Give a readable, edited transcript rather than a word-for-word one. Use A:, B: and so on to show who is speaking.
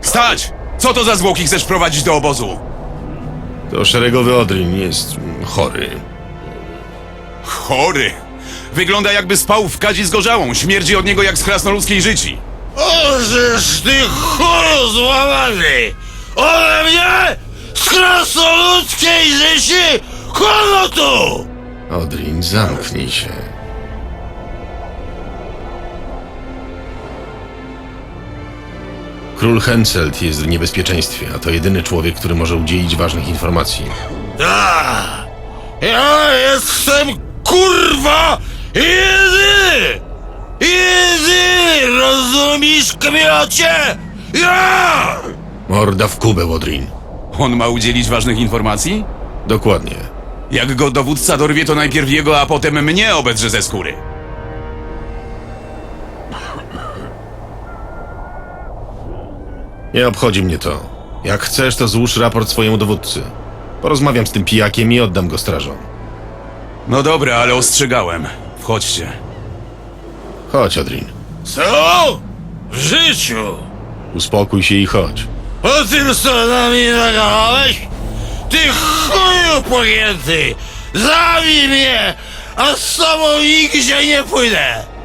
A: Stać! Co to za zwłoki chcesz prowadzić do obozu?
B: To szeregowy Odrin jest chory.
A: Chory! Wygląda jakby spał w kadzi zgorzałą. Śmierdzi od niego jak z krasnoludzkiej życi.
C: Ożeż ty chóru złamany! Ode mnie z krasnoludzkiej życi! Kogo tu?
B: Odrin, zamknij się. Król Henselt jest w niebezpieczeństwie, a to jedyny człowiek, który może udzielić ważnych informacji.
C: Da! Ja jestem kurwa jedyny! Jedyny! Rozumiesz, kmiocie? Ja!
B: Morda w kubę, Odrin.
A: On ma udzielić ważnych informacji?
B: Dokładnie.
A: Jak go dowódca dorwie, to najpierw jego, a potem mnie obedrze ze skóry.
B: Nie obchodzi mnie to. Jak chcesz, to złóż raport swojemu dowódcy. Porozmawiam z tym pijakiem i oddam go strażom.
A: No dobra, ale ostrzegałem. Wchodźcie.
B: Chodź, Odrin.
C: Co? W życiu?
B: Uspokój się i chodź.
C: O tym, co na mnie nagadałeś? Ty chuju pojęty! Zabij mnie, a z tobą nigdzie nie pójdę!